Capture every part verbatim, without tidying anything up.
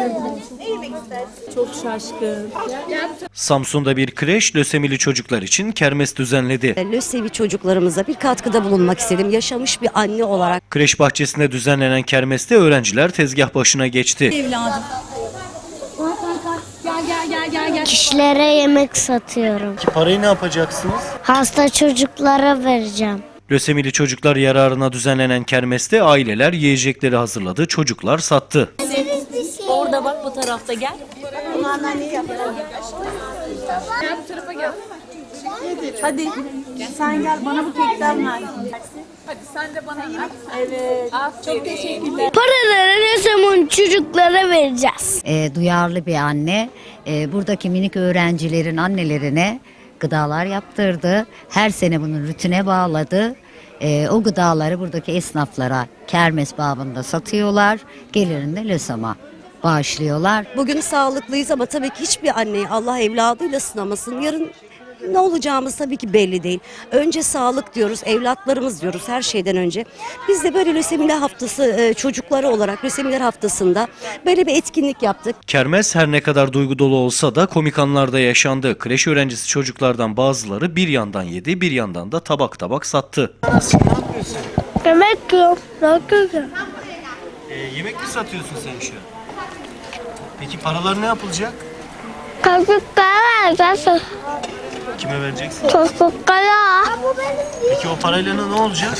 Çok şaşkın. Samsun'da bir kreş lösemili çocuklar için kermes düzenledi. Lösevi çocuklarımıza bir katkıda bulunmak istedim. Yaşamış bir anne olarak. Kreş bahçesinde düzenlenen kermeste öğrenciler tezgah başına geçti. Evladım. Gel gel gel gel gel. Kişilere yemek satıyorum. Parayı ne yapacaksınız? Hasta çocuklara vereceğim. Lösemili çocuklar yararına düzenlenen kermeste aileler yiyecekleri hazırladı, çocuklar sattı. Orada bak, bu tarafta gel. Gel bu tarafa gel. Hadi. Sen gel, bana bu kekten ver. Hadi sen de bana ver. Evet. Çok teşekkürler. Paraları ne zaman çocuklara vereceğiz? E, duyarlı bir anne e, buradaki minik öğrencilerin annelerine gıdalar yaptırdı. Her sene bunu rutine bağladı. E, o gıdaları buradaki esnaflara kermes babında satıyorlar. Gelirini de LÖSAM'a bağışlıyorlar. Bugün sağlıklıyız ama tabii ki hiçbir anneyi Allah evladıyla sınamasın. Yarın ne olacağımız tabii ki belli değil. Önce sağlık diyoruz, evlatlarımız diyoruz her şeyden önce. Biz de böyle lösemiler haftası çocukları olarak lösemiler haftasında böyle bir etkinlik yaptık. Kermes her ne kadar duygu dolu olsa da komik anlar da yaşandı. Kreş öğrencisi çocuklardan bazıları bir yandan yedi, bir yandan da tabak tabak sattı. Yemek yiyorum. E, yemek mi satıyorsun sen şu an? Peki paralar ne yapılacak? Çocuklara vereceğiz. Kime vereceksin? Çocuklara. Peki o parayla ne olacak?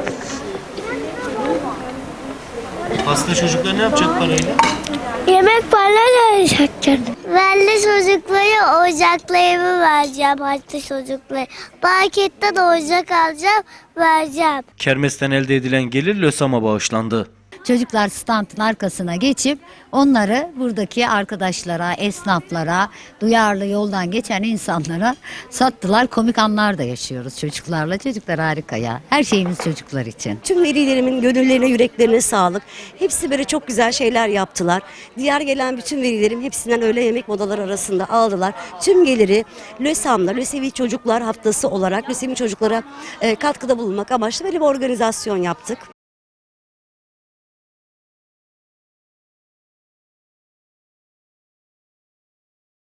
Hasta çocuklar ne yapacak parayla? Yemek falan verecekler. Ben de çocuklara oyuncaklarımı vereceğim. Hasta çocuklara. Marketten oyuncak alacağım, vereceğim. Kermesten elde edilen gelir LÖSAM'a bağışlandı. Çocuklar standın arkasına geçip onları buradaki arkadaşlara, esnaflara, duyarlı yoldan geçen insanlara sattılar. Komik anlar da yaşıyoruz çocuklarla. Çocuklar harika ya. Her şeyimiz çocuklar için. Tüm velilerimin gönüllerine, yüreklerine sağlık. Hepsi böyle çok güzel şeyler yaptılar. Diğer gelen bütün velilerim hepsinden öğle yemek modaları arasında aldılar. Tüm geliri LÖSAM'da, Lösevi Çocuklar Haftası olarak Lösevi çocuklara e, katkıda bulunmak amaçlı böyle bir organizasyon yaptık.